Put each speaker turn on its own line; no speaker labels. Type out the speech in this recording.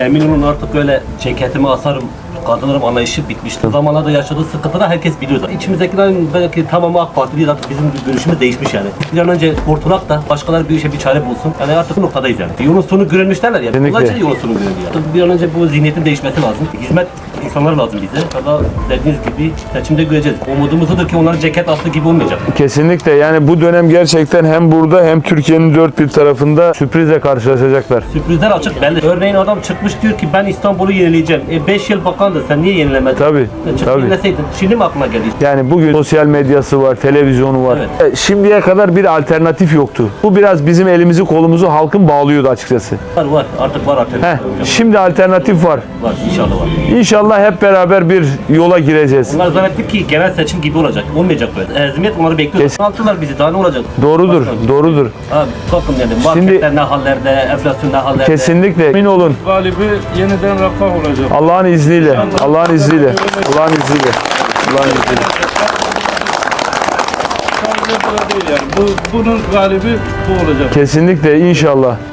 Emin olun artık böyle ceketimi asarım, kadınlarım anlayışı bitmişti. O zamanlarda yaşadığı sıkıntıda herkes biliyor zaten. İçimizdekilerin belki tamamı AK Partili, zaten bizim görüşümüz değişmiş yani. Bir an önce kurtulak da başkaları bir işe bir çare bulsun. Yani artık bu noktadayız yani. Yolun sonu görülmüş derler ya.
Kesinlikle.
Bunlar için yolun sonu görülüyor. Artık bir an önce bu zihniyetin değişmesi lazım. Hizmet insanlar lazım bize. Valla dediğiniz gibi seçimde göreceğiz. Umudumuz odur ki onların ceket aslı gibi olmayacak.
Kesinlikle, yani bu dönem gerçekten hem burada hem Türkiye'nin dört bir tarafında sürprizle karşılaşacaklar.
Sürprizler açık belli. Örneğin adam çıkmış diyor ki ben İstanbul'u yenileyeceğim. 5 yıl bakandı, sen niye yenilemedin?
Tabii,
Çık
tabii.
yenileseydin. Şimdi mi aklına geldi?
Yani bugün sosyal medyası var, televizyonu var. Şimdiye kadar bir alternatif yoktu. Bu biraz bizim elimizi kolumuzu halkın bağlıyordu açıkçası.
Var. Artık var alternatif.
Şimdi alternatif var.
Var. İnşallah var.
İnşallah hep beraber bir yola gireceğiz.
Onlar zannettik ki genel seçim gibi olacak. Olmayacak böyle. Ezimiyet onları bekliyor. Altılar bizi. Daha ne olacak?
Doğrudur, doğrudur.
Abi bakın yani marketler ne hallerde, enflasyon ne hallerde.
Kesinlikle emin olun.
Galibi yeniden refah olacak.
Allah'ın izniyle, Allah'ın izniyle, Allah'ın izniyle, Allah'ın izniyle.
Sadece burada değil yani. Bunun galibi bu olacak.
Kesinlikle inşallah.